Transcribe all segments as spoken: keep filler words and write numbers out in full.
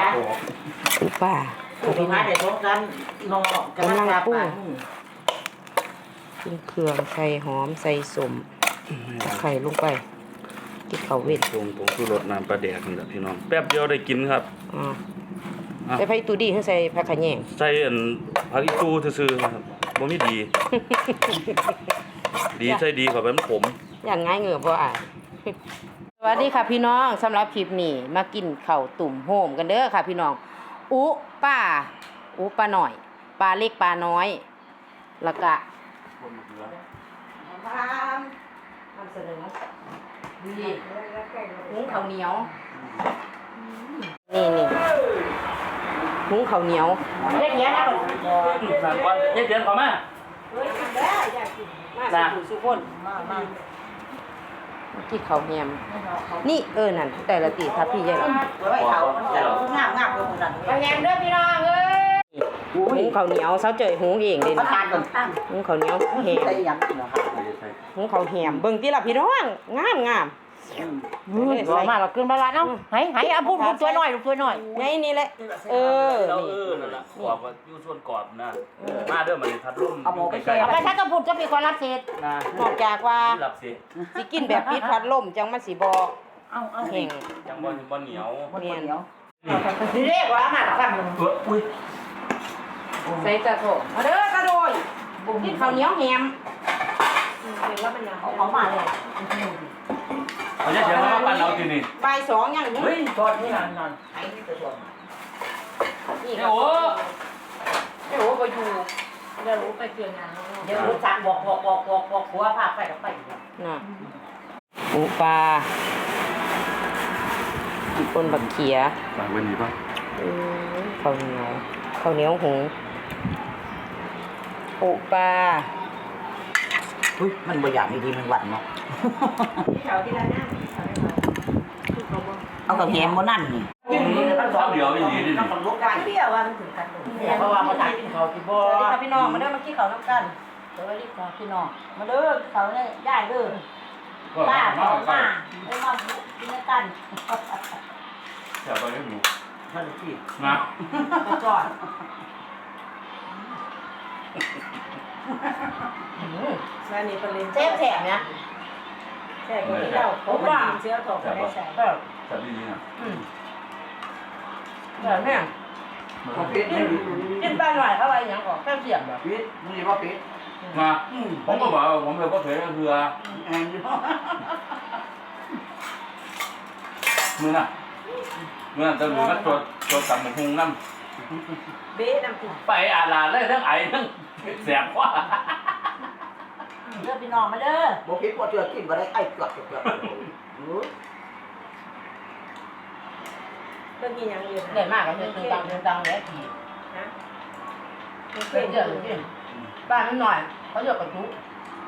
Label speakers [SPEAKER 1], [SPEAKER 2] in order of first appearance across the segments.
[SPEAKER 1] ปูป่า
[SPEAKER 2] ปูป่าเดี๋ยวพบกันนอกำลังปรุง
[SPEAKER 1] กินเครื่องใส่หอมใส่สมไข่ลงไปกินข้าวเวท
[SPEAKER 3] ปรุงผงชูรสน้ำปลาแดกนี่แหละพี่น้องแป๊บเดียวได้กินครับ
[SPEAKER 1] อ๋อใส่ไผ่ตูดีให้ใส่ผักขะแยง
[SPEAKER 3] ใส่อันผักอีตูซื่อๆครับบ่มีดี ดีใส่ดีกว่าเป็นผม
[SPEAKER 1] อย่างง่ายเหงือบ่อ่ะสวัสดีค่ะพี่น้องสำหรับคลิปนี้มากินข้าวตุ่มโฮมกันเด้อค่ะพี่น้องอุป้าอุป้าหน่อยปลาเล็กปลาน้อยแล้วก็ทำเสนอนี่หุงข้าวเหนียวนี่นี่หุงข้าวเหนียวเล็กเนี้ยนะก่อน
[SPEAKER 3] ก่อนเย็นเดือนขอมา
[SPEAKER 1] เฮ้ยกินได้อยากกินมาสุสุคนมามาที่เขาแฮมนี่เออนั่นแต่ละตีทับพี่ใหญ่หรอ
[SPEAKER 2] ไว้เขาแต่งามงามเลยคนนั้น
[SPEAKER 1] เขาแฮมเด้อพี่น้องเอ้ยหุงข้าวเหนียวเสาเจยหุงเองเด่นหุงข้าวเหนียวแฮมหุงข้าวแฮมเบิ่งที่ละพี่น้องงามงาม
[SPEAKER 2] ใส่มาเราขึ้นมาละเนาะให้ให้เอาพูดพูดตัวหน่อยตัวหน่อย
[SPEAKER 1] ไงนี่แหละเออ
[SPEAKER 3] นี่นั่นแหละกรอบอยู่ส่วนกรอบนะมาเด้อมันทัดร่ม
[SPEAKER 2] เอาหมูไปแช่เอาไปถ้าต้องพูดจะมีคนรับเศษ
[SPEAKER 3] นะ
[SPEAKER 1] นอกจากว่าสิกินแบบพิษพัดลมจังมันสิบ่
[SPEAKER 2] เอาเอา
[SPEAKER 1] แห้ง
[SPEAKER 3] จังบ่บ่เหนียว
[SPEAKER 2] เหนียวนี่เรียกว่ามาละกัน
[SPEAKER 3] อุ้ย
[SPEAKER 1] ใส่กระโถมาเด้อกระโดยกินข้าวเหนียวแฮมเห็นแล้วเป็นยัง
[SPEAKER 2] เอาของมาเลย
[SPEAKER 3] เขาจะเชียร์ว่าบ้านเราที่นี่
[SPEAKER 1] บ่ายสองยัง
[SPEAKER 2] เฮ้ยตอนนี้นานนานไอ้นี่จะชวน
[SPEAKER 1] นี่โอ้เดี๋ยวไปอยู่เดี๋ยวไปเกี่ยงงาน
[SPEAKER 2] เดี๋ยวรู้จักบอกบอกบอกบอกบอกหัวภาพไปกับไป
[SPEAKER 1] น่ะปูปลาคนบักเขีย
[SPEAKER 3] ฝากไว้นี่ป่ะ
[SPEAKER 1] ข้าวเหนียวข้าวเหนียวหุงปูปลา
[SPEAKER 2] อุ้ยมันบางอย่างดีๆมันหวานเนาะ
[SPEAKER 1] เขาที่ร้านนั่น
[SPEAKER 2] เอากับแฮมโมนั่นนี่
[SPEAKER 3] ชอบเดียวไม่ดีนี่
[SPEAKER 2] ต้องลุกได้เปรี้ยวว่ามันถึงกันเพราะว่าเขากินเขาที่บ่สวัสดีค่ะพี่น้องมาเด้อมากินข้าวน้ำกันสวัสดีค่ะพี่น้องมาเด้อเขาเนี่ยได้เด้อป้าเขามาได้มากินกัน
[SPEAKER 3] จะไปให้หนู
[SPEAKER 2] ท่านพี่
[SPEAKER 3] นะ
[SPEAKER 2] กระจอด
[SPEAKER 1] แม่นี่เป็นลิ้น
[SPEAKER 2] เจ็บแถบเนี่ย
[SPEAKER 1] แค่คนที่เราผมว่าเชื้อถกไม่ได้ใส่
[SPEAKER 3] จับดีๆนะ
[SPEAKER 1] อืมแบบนี้
[SPEAKER 2] ผมปิดให้ดู
[SPEAKER 1] กินไปหน่อยเข้าไปอย่างก่อนแค่เสียบแบบ
[SPEAKER 2] ปิดมึงนี่ว่าปิด
[SPEAKER 3] มาผมก็บอกผมเลยก็เผยก็คือ
[SPEAKER 2] แอนอยู่
[SPEAKER 3] มือน่ะมือน่ะจะมือก็จดจดจำหมูพุงน้
[SPEAKER 1] ำเบ๊น้ำติด
[SPEAKER 3] ไปอาลาเลยทั้งไอ้ทั้งแสบว่า
[SPEAKER 2] เด้อพี่น้องมาเด้อบ่ปิดบ่เชื่อกินบ่ได้ไอ้เกือบเกือบ
[SPEAKER 1] เรื่องกินยังอยู่
[SPEAKER 2] เด่นมากก็คือตึงตังตึงตังเนี่ยที
[SPEAKER 1] นะ
[SPEAKER 2] เกินเยอะจริงบ้านนิดหน่อยเขาเยอะกว่าทุก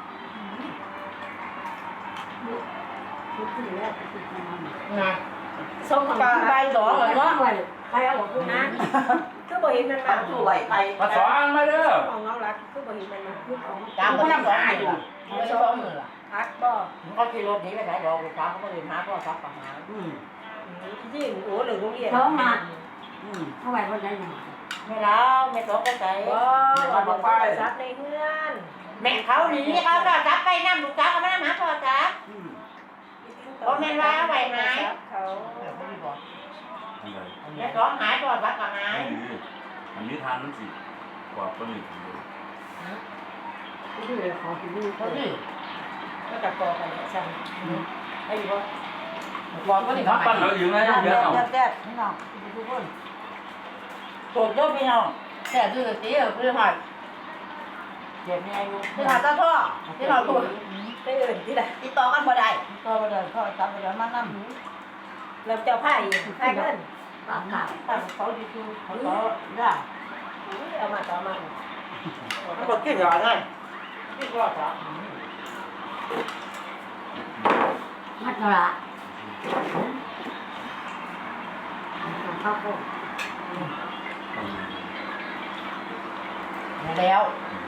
[SPEAKER 1] นะส้มปลาใบสองเลยเนาะใครเอาของคุณนะคือบ่เห็นมันมา
[SPEAKER 2] สวยไป
[SPEAKER 3] มาสอนมาเด้อ
[SPEAKER 1] ของน้องรักคือบ่เห็นมันมาคือของ
[SPEAKER 2] ตามคนน้ำสองอยู่ไม่สองมือล่ะ
[SPEAKER 1] พักบ่
[SPEAKER 2] เขาขี่รถนี้ไปไหนบอกลูกค้าเขาก็เลยหาพ่อซักกับหาอืม
[SPEAKER 1] ยิ่งโอ้หรือโรงเรียน
[SPEAKER 4] เขามาเท่าไหร่คนได้ยัง
[SPEAKER 2] ไม่แล้วไม่ต้องไปใส่
[SPEAKER 1] ว่าบอกว่าซักในเพื่อน
[SPEAKER 2] แม่เขาหนีเขาก็ซักไปน้ำลูกค้าเขาไม่ได้หาพ่อซักเพราะแม่ว่าไหวไหม
[SPEAKER 1] เขา
[SPEAKER 2] แม่ร้องหายพ่อซักกับหาย
[SPEAKER 3] อันนี้ทานนั่นสิกว่าปลาหมึกเลย
[SPEAKER 4] ที่เหลือของที่นี่
[SPEAKER 2] เขาดิ
[SPEAKER 1] ก็ตัดต่อกันใช่ไอ้บ่
[SPEAKER 2] บอกก็นี่เขา
[SPEAKER 3] ปั้นเราอยู่ไงเยอะเอา
[SPEAKER 2] แซ่บพี่น้องทุกคนโสดเยอะพี่น้องแซ่บด้วยตีเออพี่หอยเจ็บยังไงอยู่พี่หอยตาพ่อพี่หอยตัว
[SPEAKER 1] ไปเอื่นที่ไหน
[SPEAKER 2] ติดต่อกันบ่ได้ต่อบ่ได้พ่อตามบ่ได้มานั่ง
[SPEAKER 1] เราเจ้าไผ่ไผ่กัน
[SPEAKER 2] ปากขาตั้งเขาดีคือเขาต่อได้
[SPEAKER 1] เอามาต่อมา
[SPEAKER 2] มันก็กินอย่างไรกินก็จ้ะ
[SPEAKER 4] มัดละข้าวโพด
[SPEAKER 2] แล้ว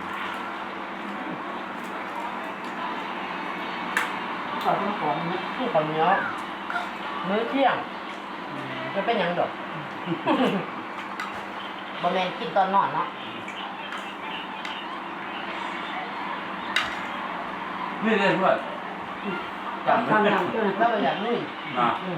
[SPEAKER 2] ขอต้องของนี่ที่คนเนี้ยมื้อเที่ยงจะเป็นยังดอก
[SPEAKER 1] บ่แม่นกินตอนนอนเนาะ
[SPEAKER 3] นี่เลยเพื่อนจำ
[SPEAKER 4] ทำ
[SPEAKER 3] ไม่
[SPEAKER 4] อย่าง
[SPEAKER 3] ได้
[SPEAKER 4] เจ้า
[SPEAKER 1] แล้วก็อย่างนี้
[SPEAKER 3] นะ
[SPEAKER 1] อืม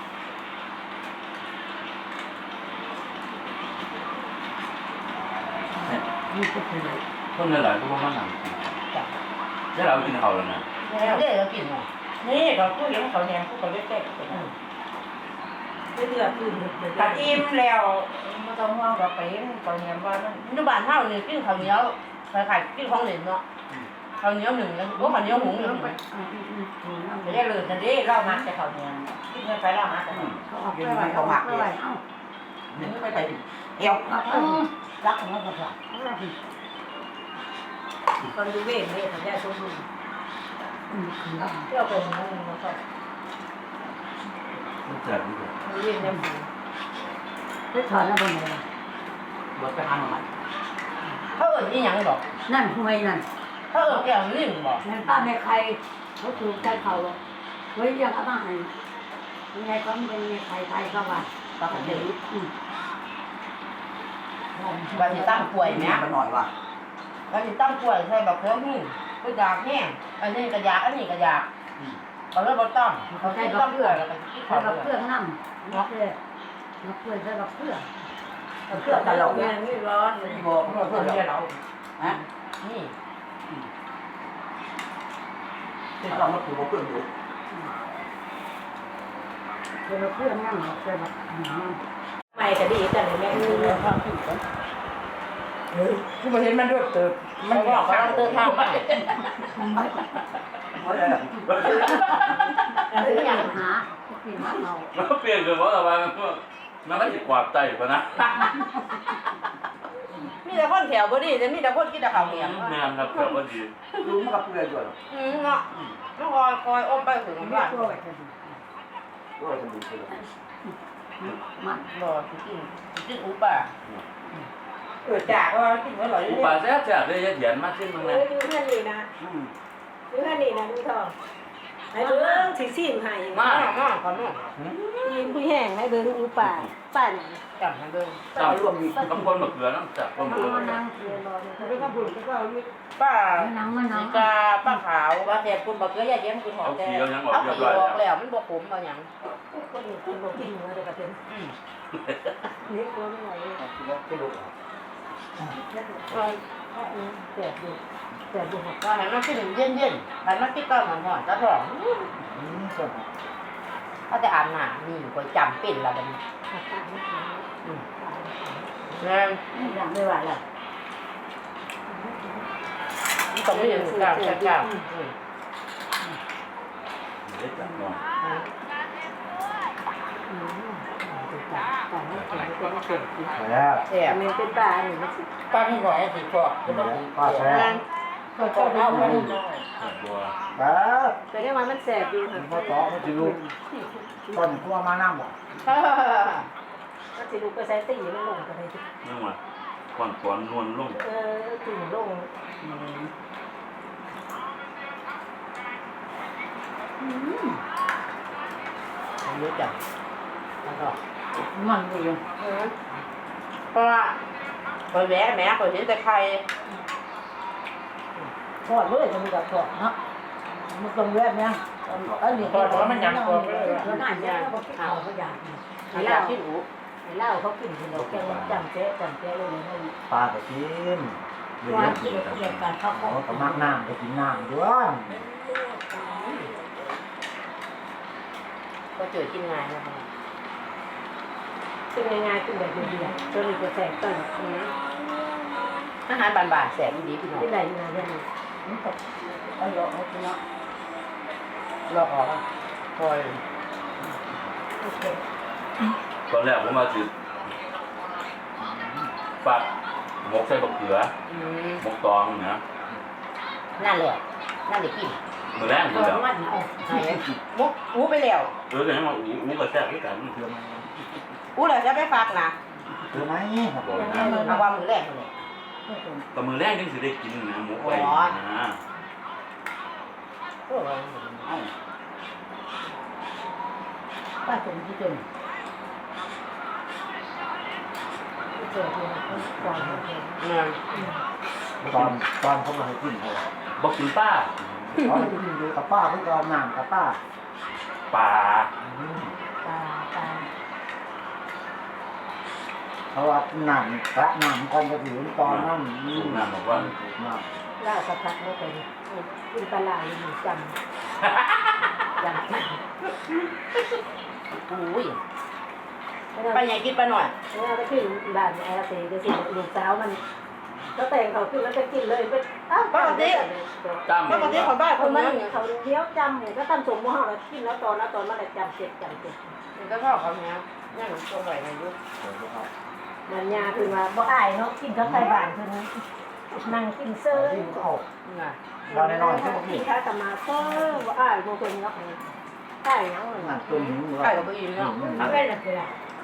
[SPEAKER 4] นี่ก็คือ
[SPEAKER 3] คนหลายๆก็ว่ามันหนัง
[SPEAKER 1] จ้ะ
[SPEAKER 3] แล้วเรากินเขาแล้วนะ
[SPEAKER 1] แล้วเด้เรากินเนาะ
[SPEAKER 2] นี่เขาพูดอย่างเขาแหนมพูดเขาเล็กๆไม่เลือกอื่นถ้าอิ่มแล้วไม่ต้องห่วงเราไปเขาแหนมว่ามัน
[SPEAKER 1] อยู่บ้านเฮานี่กินข้าวเหนียวคล้ายๆกินของเหลวเนาะข้าวเหนียวหนึ่งแล้วโอ้ข้าวเหนียวหุงหนึ่ง
[SPEAKER 2] ไม่ได้เลยนั่นดิเล่ามาแต่เขาแหนมกินเงินไปเล่ามาแต่เขา
[SPEAKER 4] เขาออกไปไหวเขาหมักเลยเอ้า
[SPEAKER 2] ไม่ไปไปเอว
[SPEAKER 4] เอาไปรักของเราก่อน
[SPEAKER 2] คนดูเว้นเลยทำได้สมบูรณ์
[SPEAKER 4] อืมคือ
[SPEAKER 2] เที่ยวไปนั่นมันก็
[SPEAKER 3] มันแซ่บดีกว่า
[SPEAKER 2] เว้นได้หมด
[SPEAKER 4] ไปถอนแล้วบนไหน
[SPEAKER 3] รสไปห้างมัน
[SPEAKER 1] เขาเอิ้นอีหยังดอก
[SPEAKER 4] นั่นห่วยนั่น
[SPEAKER 1] เขาเอิ้นแก้วลิ้นบ่
[SPEAKER 4] นั่นป้าแม่ใครเขาถูกใจเขาเฮ้ยยังเอามาให้ยังไงก็เป็นแม่ใครใครก็ว่า
[SPEAKER 1] ปกติ
[SPEAKER 4] อืม
[SPEAKER 1] ว่าสิตั้งป่วยแหม
[SPEAKER 3] มันหน่อยว่ะ
[SPEAKER 1] ว่าสิตั้งป่วยใส่บักเขือหื้อก็อยากแห้งอันนี้ก็อยากอันนี้ก็อยากเขาเลยบ่ต้องเขาใส่บักเขือแล้วก็กิน
[SPEAKER 4] ใส่
[SPEAKER 1] ข้าว
[SPEAKER 4] กับ
[SPEAKER 1] เป
[SPEAKER 4] เค
[SPEAKER 1] ลื
[SPEAKER 4] รื่
[SPEAKER 1] อ
[SPEAKER 4] อก งน้ำนักเลยนักเพื่อนใส่กับเครื่อง
[SPEAKER 2] เพื่อตลกเนี่ยนี่ร้อนมันบอกเพื่อเพื่อเราฮะ
[SPEAKER 1] นี่
[SPEAKER 3] ที่เรามาปลูกเพื่อนอยู่
[SPEAKER 4] ใส่กับเครื่องน้ำใส่กับน้ำ
[SPEAKER 2] ไม่ก็ดีกันเลยแม่คือความผิดกันเฮ้ยคือมาเห็นมันด้วยเติบ
[SPEAKER 1] มันบอกกำลังเดินทางไป
[SPEAKER 3] ไม่ได้
[SPEAKER 4] คืออย่างหากินมะนาว
[SPEAKER 3] มันเปลี่ยนคือว่าอะไรมันมันก็จะกวาดใจปะนะ
[SPEAKER 1] มีแต่คนแถวบ่ดีแต่มีแต่คนกินแต่ข้าวเหนียว
[SPEAKER 3] แม่ครับแบบว่าดี
[SPEAKER 5] รู้มันกับเพื่อนด้วย
[SPEAKER 1] อืมเนาะน้องคอยคอยอมไปถึง
[SPEAKER 4] ไม่
[SPEAKER 1] บ้าน
[SPEAKER 4] ช่วยกัน
[SPEAKER 5] ด้วยสมุนไพร
[SPEAKER 4] มัน
[SPEAKER 1] บ่สิกินสิกินอุป่า
[SPEAKER 2] เออจากว่ากินอร่อย
[SPEAKER 3] อุปาแซ่บแซ่บเลยเหยียดมากขึ้นมั้ง
[SPEAKER 2] เอ
[SPEAKER 3] นะ
[SPEAKER 2] ออยู่แค่นี้นะอยู่แค่นี้นะลุงทองไอ้เบิ้งสิซีนให้
[SPEAKER 1] มามาขอน้อง
[SPEAKER 2] ยิงผู้แห้งไอ้เบิ้งอูป่าป่าน
[SPEAKER 1] จับให้เบิ่ง
[SPEAKER 3] ตามรวมมีบางคนมะเขือน้ำจับคนมะเขือ
[SPEAKER 4] มันนั่งเรียนรอ
[SPEAKER 2] ไม่ต้องพูดก็เอาอยู่
[SPEAKER 1] ป้า
[SPEAKER 4] มันนั่งมันนั่
[SPEAKER 1] สี
[SPEAKER 4] ง
[SPEAKER 1] กาป้าขาว
[SPEAKER 2] ว่าแต่คุณบอกเกลือยาเย็นคุณหอ
[SPEAKER 3] เอา
[SPEAKER 2] มแต่
[SPEAKER 3] ขี้เอายังออก
[SPEAKER 1] เอา
[SPEAKER 3] เรียบ
[SPEAKER 1] ขี้
[SPEAKER 3] ร้อย
[SPEAKER 1] ออก
[SPEAKER 3] แล้ว
[SPEAKER 1] แล้วมันบ่ขมเอาหยัง
[SPEAKER 2] คนอื่นคุณบอกกินมาแต่กระเทียม
[SPEAKER 1] อืม
[SPEAKER 2] นี่ตัวไม่ไหวเลย
[SPEAKER 5] ไม่รู้
[SPEAKER 2] แต่ดูแต่ดูหัก
[SPEAKER 1] ว่าให้มันกินเย็นๆให้มันกินก้อนหอนๆตะท้อง
[SPEAKER 5] อืมส่วน
[SPEAKER 1] ถ้าแต่อาบน้ำนี่ก็จำเป็นละบัดนี้
[SPEAKER 2] หักตาไม่ถึง
[SPEAKER 1] อืมแม่น
[SPEAKER 2] อย่างไม่ไหวแล้ว
[SPEAKER 1] มันต้องมีอย่างกล้าๆกล้าๆอืม
[SPEAKER 3] เด็ดจับหน่อย
[SPEAKER 2] แต่ไม่ถึงก็ไม่เก่ง
[SPEAKER 5] แล้ว
[SPEAKER 1] แซ่บ
[SPEAKER 2] มันเป็นปลาหนึ่งมัน
[SPEAKER 1] ป้ามีหน่อยสิพอก็ต้อง
[SPEAKER 5] ป้าแซ่บ
[SPEAKER 2] ก็เข้าเข้าไปนิดหน่อย
[SPEAKER 3] บัว
[SPEAKER 5] ป้า
[SPEAKER 2] แต่ได้ว่ามันแสบอยู่ค่ะ
[SPEAKER 5] พ่อต่อมันจะรู้ต้นขั้วมาน้ำบ่
[SPEAKER 2] ก็สิลูกก็ใช้ตีมันลงกันเลย
[SPEAKER 3] นั่งมาก่อนก่อนนวลลง
[SPEAKER 2] เออตีลง
[SPEAKER 1] ผมรู้จักแล้วก็
[SPEAKER 4] มันดี
[SPEAKER 1] อืมเพราะว่าคอยแหวะแหม่คอยเห็นแต่ไข่
[SPEAKER 2] ทอดเลยจะมีกับทอดเนาะมันตรงแบบเนี้ยอันนี้ทอดเพราะมันยำตัวเลย
[SPEAKER 4] แล้วน่าจะเขาก็อยาก
[SPEAKER 1] ไข่ลาวที่หนู
[SPEAKER 2] เหล้าเขากินเราแกงจำเจ๊จำเจ๊เลยนะ
[SPEAKER 5] ปลาก็กินเดี๋ยว
[SPEAKER 2] ว่า
[SPEAKER 5] กิ
[SPEAKER 2] กิ
[SPEAKER 5] น
[SPEAKER 2] นเกี่ยวกับข้าว
[SPEAKER 5] เขาก็มักน้ำก็กินน้ำด้วย
[SPEAKER 1] ก็เจอกินง่ายนะคะ
[SPEAKER 2] เป็นยังไงเป็นแบบเดียวตัวนี้จะแสบต้น
[SPEAKER 1] อืมอาหารบานๆแสบดีพี่น้อง
[SPEAKER 2] ที่ไหนนะเนี่ยมันตกเอาหยอกเอาไปเนาะ
[SPEAKER 1] เราออกอะคอย
[SPEAKER 2] โอเค
[SPEAKER 3] ตอนแรกผมมาสิฟักหมกใส่บักเขือ
[SPEAKER 1] อืม
[SPEAKER 3] หมกตองนะ
[SPEAKER 1] นั่นแหละนั่นแหละกิน
[SPEAKER 3] มือแรกอยู่
[SPEAKER 2] ตัว
[SPEAKER 3] แล้ว
[SPEAKER 2] มันเอา
[SPEAKER 1] ไหนมุกอู้ไปแล้ว
[SPEAKER 3] เออแต่ยังมาอู้อู้กับแซ่บด้วยกัน
[SPEAKER 5] เชื่อไหม
[SPEAKER 1] อู้แล้วจะไปฝากนะ
[SPEAKER 5] เชื่อไหมครับผม
[SPEAKER 1] เอาความมือแรกเลย
[SPEAKER 3] แต่มือแรกยังสิได้กินนะหมูไปนะ
[SPEAKER 1] โอ้ย
[SPEAKER 2] ป้าสมที่จนสียทีนะก่อนเสีย
[SPEAKER 1] เนี่ย
[SPEAKER 5] ตอนตอนเขามาให้กินเขา
[SPEAKER 3] บอกกินป้า
[SPEAKER 5] เขาให้กินอยู่กับป้าเพื่อเอาน้ำกับป้า
[SPEAKER 3] ป่า
[SPEAKER 2] ตาตา
[SPEAKER 5] เขาว่าน้ำพระน้ำก่อนจะถึงตอนนั้น
[SPEAKER 3] สูงน้ำบอกว่า
[SPEAKER 5] น้
[SPEAKER 2] ล่าสักพักไม่ไปกินปลาไหลหนูจำจำ
[SPEAKER 1] อุ้ยไปไหนกินไปหน่อย
[SPEAKER 2] เนี่ยก็ขึ้นบ้านไอ้เต๋ก็สิลูกสาวมันก็แต่งเขาขึ้นแล้วก็กินเลยเป็นอ้าว
[SPEAKER 1] ปกติ
[SPEAKER 3] จำ
[SPEAKER 1] ปกติคนบ้าน
[SPEAKER 2] ค
[SPEAKER 1] คน น
[SPEAKER 2] มั
[SPEAKER 1] นั้น น
[SPEAKER 2] เขาเที่ยวจำก็ตั้งสมมติว่าเรากินแล้วตอนแล้วตอนมาแต่จำเจ็บจำเจ็บ
[SPEAKER 1] มันก็ชอบเขาเนี้ยนี่หนูตัวไหวอายุ
[SPEAKER 5] ำ
[SPEAKER 2] มันยาคือว่าบ่อายเนาะกินข้าวไก่บ้านคือนั่งกินเสื้อ
[SPEAKER 5] กินก็เอา
[SPEAKER 1] น่ะ
[SPEAKER 5] เราแน่นอนใช่ไหม
[SPEAKER 2] กิ
[SPEAKER 5] พี่
[SPEAKER 2] นข้าวกับมาเสื้อบ่อายบางคนเนาะใช่เนาะ
[SPEAKER 5] น้ำต้มหิว
[SPEAKER 1] ไข่กับไปอีกเนาะ
[SPEAKER 2] ไม่เป็นไรเลย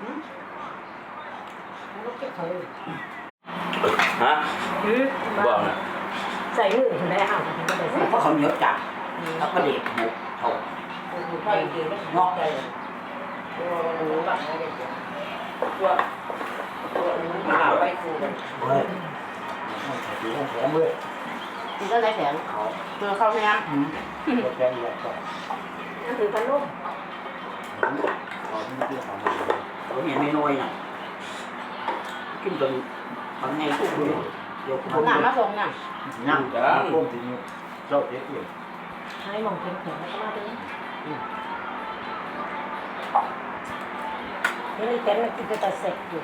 [SPEAKER 2] ลูกเก็บเขาเลย
[SPEAKER 3] ฮะบอกนะ
[SPEAKER 2] ใส่มือถึงได้ห่าวถึงได้ใส่
[SPEAKER 6] เพราะเขาเหนียวจัดแล้วก็เด็กหมกเขา
[SPEAKER 1] ไข่เดียวงอกใจโอ้โหแบบนี้เลยตัวตัวนี้ขาไปคูกัน
[SPEAKER 5] เฮ้ยถือของแข็งเลย
[SPEAKER 1] มันก็ได้แข็งเขาเพื่อเข้าแง้ม
[SPEAKER 5] ตัวแข็งใหญ่ก็
[SPEAKER 2] นั่นถือขนม
[SPEAKER 5] ขอที่ที่ของ
[SPEAKER 6] เขาเห็นไม่น้อยน่ะกินจนทำไงทุกคนเดี๋ยว
[SPEAKER 1] หนามาส่งน่ะ
[SPEAKER 5] นั่งต้มที่นี่เจ้าเจ๊เอง
[SPEAKER 2] ให้มองแข็งๆแล้วก็มาตรงนี้นี่เต็มเลยกินแต่เสร็จอยู่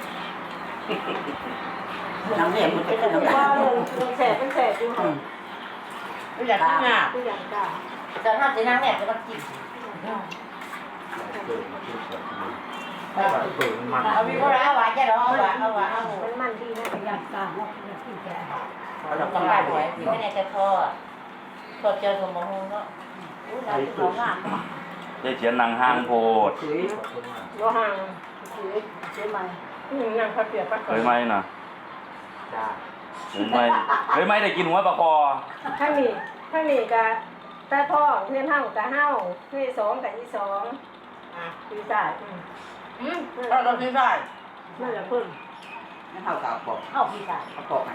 [SPEAKER 6] น้ำเนี่ยมันจะ
[SPEAKER 2] เป็น
[SPEAKER 6] ขึ้น
[SPEAKER 2] แต่
[SPEAKER 6] น้ำ
[SPEAKER 2] ว่า
[SPEAKER 6] เนี่ย
[SPEAKER 2] เป็นแสบเป็นแสบอยู่ค่ะ
[SPEAKER 1] ไม่อยากกินอ่ะ
[SPEAKER 2] ทุกอย่างกล้า
[SPEAKER 6] แต่ถ้าจะนั่งเนี่ยจะต้องกิน
[SPEAKER 5] เปิดมาที่เปิดถ้าเปิดมัน
[SPEAKER 6] เอาพี่ก็แล้วหวานจะรอเอาหวานเอาหวานเอา
[SPEAKER 2] มันมันดีนะอยากกล้าเนาะอยากกินแก่
[SPEAKER 6] เราต้องการหวยที่ไม่ได้แต่พอพอเจอสมองเนาะอุ้ยเราจะร้องอ่ะ
[SPEAKER 3] ได้เขียนนางห้างโพด
[SPEAKER 6] คือ
[SPEAKER 2] ก็ห่างคือซื้อมานั่งพักเปียกพัก
[SPEAKER 3] เคยไหมน่ะ
[SPEAKER 5] จ้า
[SPEAKER 3] เคยไหมเคยไหมได้กินหัวปลาคอ
[SPEAKER 2] ข้างนี้ข้างนี้ก็ตาพ่อเพื่อนเฮากับเฮาเพื่อนสองกับอีสองอ่ะปีศาจ
[SPEAKER 1] อืมเราเราซื้อได้
[SPEAKER 2] นั่นแหละเพิ่น
[SPEAKER 6] นั่นเท่ากับบอก
[SPEAKER 2] เฮาปีศาจ
[SPEAKER 6] เขาบอกไง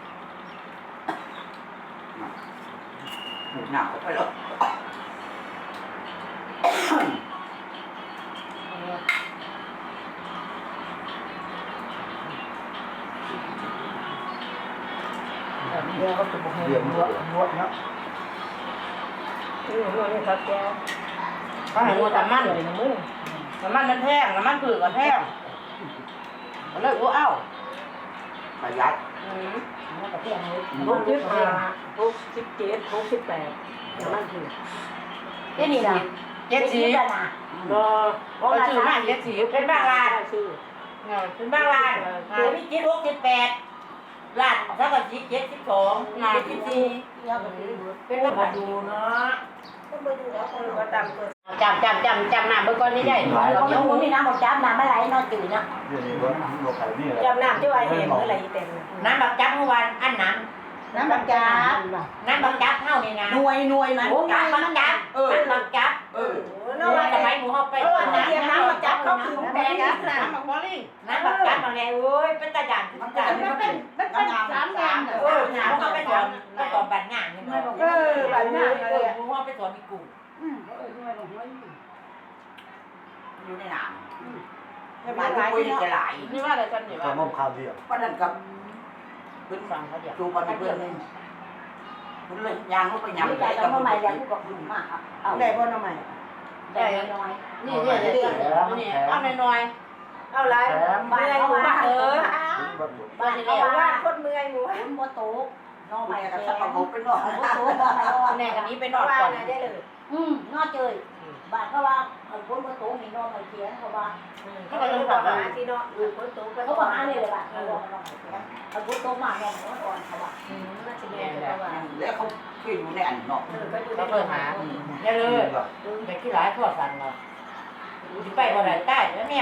[SPEAKER 6] หมูหนาวไปแล้ว
[SPEAKER 2] เดี๋ยวก็จะบอกให้
[SPEAKER 5] เรียนนวดนวดเนาะ
[SPEAKER 2] นี่หนูนี่ครับแก
[SPEAKER 1] เขาให้งัวแต่มัน
[SPEAKER 2] เลยนะมึง
[SPEAKER 1] น้ำมันมันแพงน้ำมันผือก็แพงก็เลยอู้เอ้า
[SPEAKER 6] ประหยัด
[SPEAKER 1] อืม
[SPEAKER 2] มันก็แพงเลยหกสิบห้าหกสิบเจ็ดหกสิบแปดน้ำมันคือ
[SPEAKER 1] เจ็ดสิบเจ็ดสิบ
[SPEAKER 2] ก็
[SPEAKER 1] ก็ชื่อมาเจ็ดสิบเป็นบางร้าน
[SPEAKER 2] ชื่อ
[SPEAKER 1] เนี่ยเป็นบางร้าน
[SPEAKER 6] เดี๋ยวนี้เจ็ดหกเจ็ดแปดล้านถ้ากับสิบเจ็ดสิบสองเจ็ดสิบสี่
[SPEAKER 1] เป็นบางร้าน
[SPEAKER 2] ดูเนาะก็ไปดูแล้วคนก็ตามตัว
[SPEAKER 1] จำจำจำจำหน้าเมื่อก่อนนี่ได้
[SPEAKER 6] เราเดี๋ยวผมมีน้ำบอกจับน้ำอะไรนอนตื่นนะ
[SPEAKER 5] เรื่องนี้ว่าโลกไข่นี่แหละ
[SPEAKER 2] จำน้ำที่ว่าเห็นเมื่อไรเต็ม
[SPEAKER 6] น้ำบักจับเมื่อวานอันน้ำน้ำบักจับน้ำบักจับเท่านี่นะหน่วยหน่วยมันน้ำบักจับเออน้ำบักจับเออ
[SPEAKER 2] น้
[SPEAKER 6] เมื่อวานสมัยหมูเข้าไป
[SPEAKER 2] ำเตรียมน้ำมาจับเขาคือแดงนะ
[SPEAKER 1] น้ำมักบอลลี่
[SPEAKER 6] น้ำบักจับมาแล้วเว้ยเป็นตาจานเป็นตามันเป็นมันเป็นสามงานเออหนาเขาไปสอนไปสอนบัตรงานนี่มั้งเออบัตรงานเออหมูเข้าไปสอนมีกลุ่มอยู่ในหนามบ้านทุกคนจะหลาย
[SPEAKER 1] นี่ว่าอะไรกันเนี่ย
[SPEAKER 5] ข้าว
[SPEAKER 1] ว่า
[SPEAKER 5] ต้มข้าวเดียว
[SPEAKER 6] วันนั้นกับ
[SPEAKER 1] ขึ้นฟังเขาเดี๋ยว
[SPEAKER 6] จูบันเพื่อนเลยคุณเลยยางเขาไปยำได้กับใหม่แล้วก็คุณมากครับเอา
[SPEAKER 2] ได้บ่น้ำใหม่
[SPEAKER 1] ได้น้อยนี่เนี่ยนี่นี่เอาน้อย
[SPEAKER 2] เอาไรบ้านเขาบ้านเออ
[SPEAKER 6] บ้านเขาบ้านคนเมื่อยหมูคุณโมโตน้องใหม่กับสักกระบอกเป็นน้องโมโตน้องใหม่น้อง
[SPEAKER 1] ๆแน่กันนี้ไปนอน
[SPEAKER 2] บ้า
[SPEAKER 1] ก่อน น
[SPEAKER 2] ได้เลย
[SPEAKER 6] อืมนอเจยบ้านเขาว่าคนโมโตมีน้องใหม่เขียนเขาว่า
[SPEAKER 2] เขาก็ต้องบอกว่าที่เนาะอยู่คนโตก็
[SPEAKER 6] เขาบอกหาเนี่ยเลยว่าเขาบอกน้องใหม่เขียนเขาพูดโตมาน้องอ่อนเขาว่า
[SPEAKER 2] อืมน่าจะแม่ก็ว่า
[SPEAKER 6] แล้วเขาขึ้นอยู่ในอันนอก
[SPEAKER 2] เออก็อยู่
[SPEAKER 1] เขา
[SPEAKER 2] ใน
[SPEAKER 1] เปิดหาอย่าเลยไปที่ร้านทอดสันเราไปบ่ได้ใต้แล้วเนี่ย